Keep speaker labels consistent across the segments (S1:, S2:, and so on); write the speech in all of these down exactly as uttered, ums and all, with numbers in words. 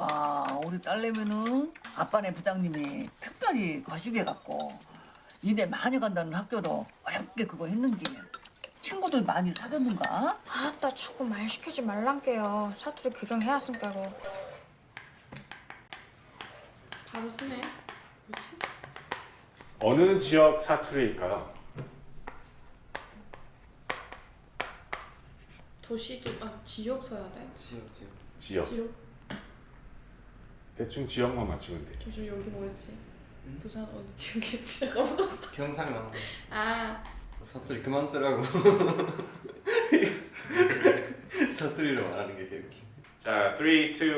S1: 아, 우리 딸내미는 아빠네 부장님이 특별히 거시기해갖고 이내 많이 간다는 학교로 어렵게 그거 했는지 친구들 많이 사귀었는가?
S2: 아따 자꾸 말 시키지 말란게요. 사투리 교정해야 쓴다고.
S3: 바로 쓰네. 뭐지?
S4: 어느 지역 사투리일까요?
S3: 도시도 아 지역 써야 돼.
S5: 지역 지역.
S4: 지역.
S3: 지역.
S4: 대충 지역만 맞추면 돼.
S3: 저저 여기 뭐였지?
S5: 응?
S3: 부산 어디 지역이었지? 까먹었어.
S5: 경상남.
S3: 아
S5: 사투리 그만 쓰라고. 사투리로 말하는 게 이렇게.
S4: 자, 삼, 이, 일.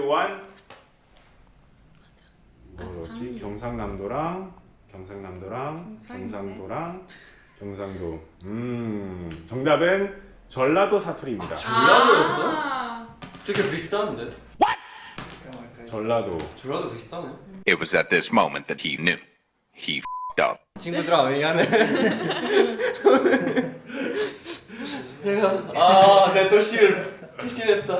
S3: 아,
S4: 뭐였지?
S3: 상류.
S4: 경상남도랑 경상남도랑
S3: 경상이네.
S4: 경상도랑 경상도. 음, 정답은 전라도 사투리입니다.
S5: 전라도였어?
S3: 아,
S5: 되게 비슷한데?
S4: 전라도.
S5: 전라도 비슷하네.
S6: It was at this moment that he knew. He f***ed up.
S5: 친구들아 미안해. 내가 아내 도시를 배신했다.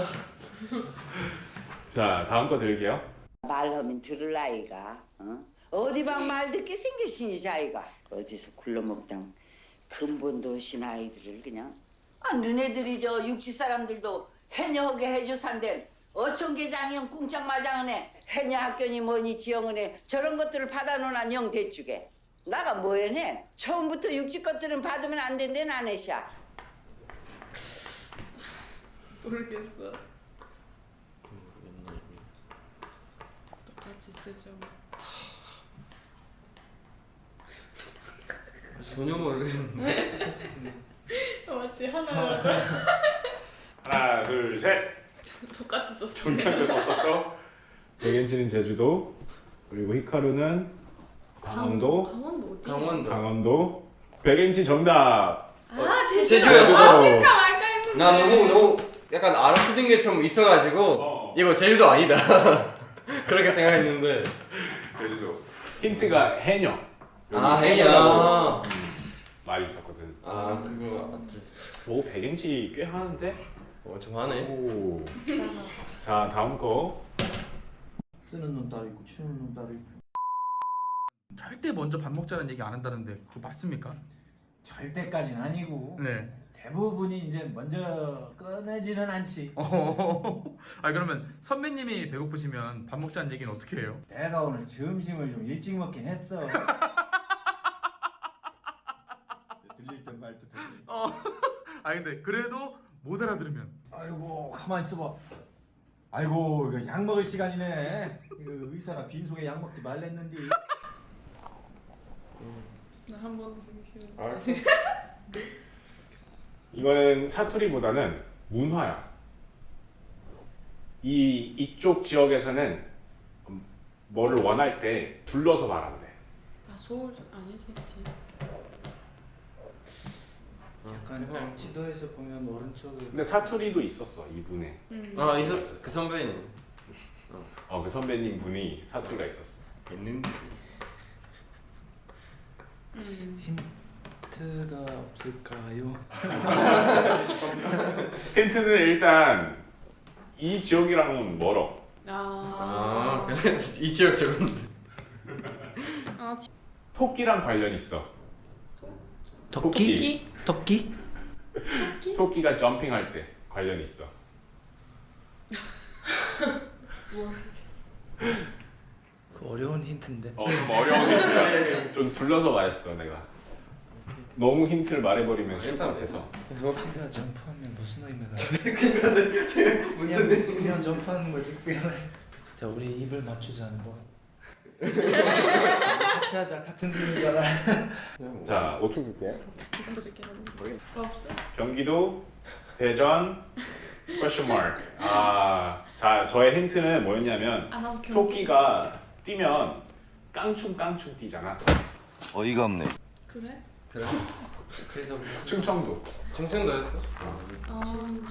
S4: 자, 다음 거 드릴게요.
S7: 말하면 들을 아이가 어? 어디 방 말 듣게 생겼으니 자이가 어디서 굴러먹던 근본도 없인 아이들을 그냥 아 너네들이 저 육지 사람들도 해녀하게 해줘 산댄 어촌계 장형 꿍짝 마장은해 해녀 학교니 뭐니 지영은해 저런 것들을 받아놓으나 영 대주게 나가 뭐해네 처음부터 육지 것들은 받으면 안 된대 나네샤
S3: 모르겠어. 똑같이 쓰죠.
S5: 전혀 모르겠는데.
S3: 어, 맞지 하나
S4: 하나, 둘, 셋.
S3: 똑같이 썼어.
S4: 경상도 썼었죠. 백엔치는 제주도, 그리고 히카루는 강원도,
S3: 강원도 어디?
S5: 강원도.
S4: 강원도. 백엔치 정답.
S3: 아 제주.
S5: 제주였어.
S3: 아 쓸까 말까 했는데.
S5: 나 너무 너무 약간 알아듣는 게 좀 있어가지고
S4: 어.
S5: 이거 제주도 아니다. 그렇게 생각했는데.
S4: 제주도. 힌트가 해녀. 여기
S5: 아
S4: 해녀라고,
S5: 해녀.
S4: 음, 말이 있었거든.
S5: 아 그거 맞지.
S4: 오, 백엔치 꽤 하는데?
S5: 어 좀 하네.
S4: 오. 자, 다음 거.
S8: 쓰는 놈 따로 있고 치우는 놈 따로 있고.
S9: 절대 먼저 밥 먹자는 얘기 안 한다는데 그거 맞습니까?
S8: 절대까지는 아니고
S9: 네.
S8: 대부분이 이제 먼저 꺼내지는 않지.
S9: 어. 아 그러면 선배님이 배고프시면 밥 먹자는 얘기는 어떻게 해요?
S8: 내가 오늘 점심을 좀 일찍 먹긴 했어. 들릴 듯 말 듯.
S9: 어. 아 근데 그래도 못 알아들으면
S8: 아이고 가만 있어봐. 아이고 이거 약 먹을 시간이네. 이거 의사가 빈속에 약 먹지 말랬는데.
S3: 나한 번도 쓰기 싫어.
S5: 알았어.
S4: 이거는 사투리보다는 문화야. 이 이쪽 지역에서는 뭐를 원할 때 둘러서 말한대.
S3: 아 서울 아니겠지.
S10: 약간 지도에서 보면 오른쪽에
S4: 근데 사투리도 있었어, 이분에.
S3: 음.
S5: 아 있었어. 그 선배님.
S4: 어, 그 선배님 분이 사투리가 있었어.
S5: 있는데.
S3: 음.
S10: 힌트가 없을까요?
S4: 힌트는 일단 이 지역이랑은 멀어.
S3: 아.
S5: 아 그냥 이 지역 적은데.
S3: 아 지-
S4: 토끼랑 관련 있어.
S10: 토끼?
S3: 기?
S10: 토끼?
S4: 토끼가 점핑할 때 관련 있어.
S10: 그 어려운 힌트인데.
S4: 어, 좀 어려운 힌트야. 좀 둘러서 말했어, 내가. 너무 힌트를 말해버리면 쉴 것 같아서.
S10: 배고프니까 점프하면 무슨 의미가?
S5: 무슨
S10: 그냥, 그냥 점프하는 거지. 그냥. 자 우리 입을 맞추자 한번. 같이 하자. 같은 팀이잖아.
S4: 자, 오 초 줄게.
S3: 이건 줄게. 없어.
S4: 경기도, 대전, question mark. 아, 자, 저의 힌트는 뭐였냐면
S3: 아 나도 경기.
S4: 토끼가 뛰면 깡충깡충 뛰잖아.
S6: 어이가 없네.
S3: 그래?
S5: 그래? 그래서 무슨
S4: 충청도.
S5: 충청도였어?
S3: 아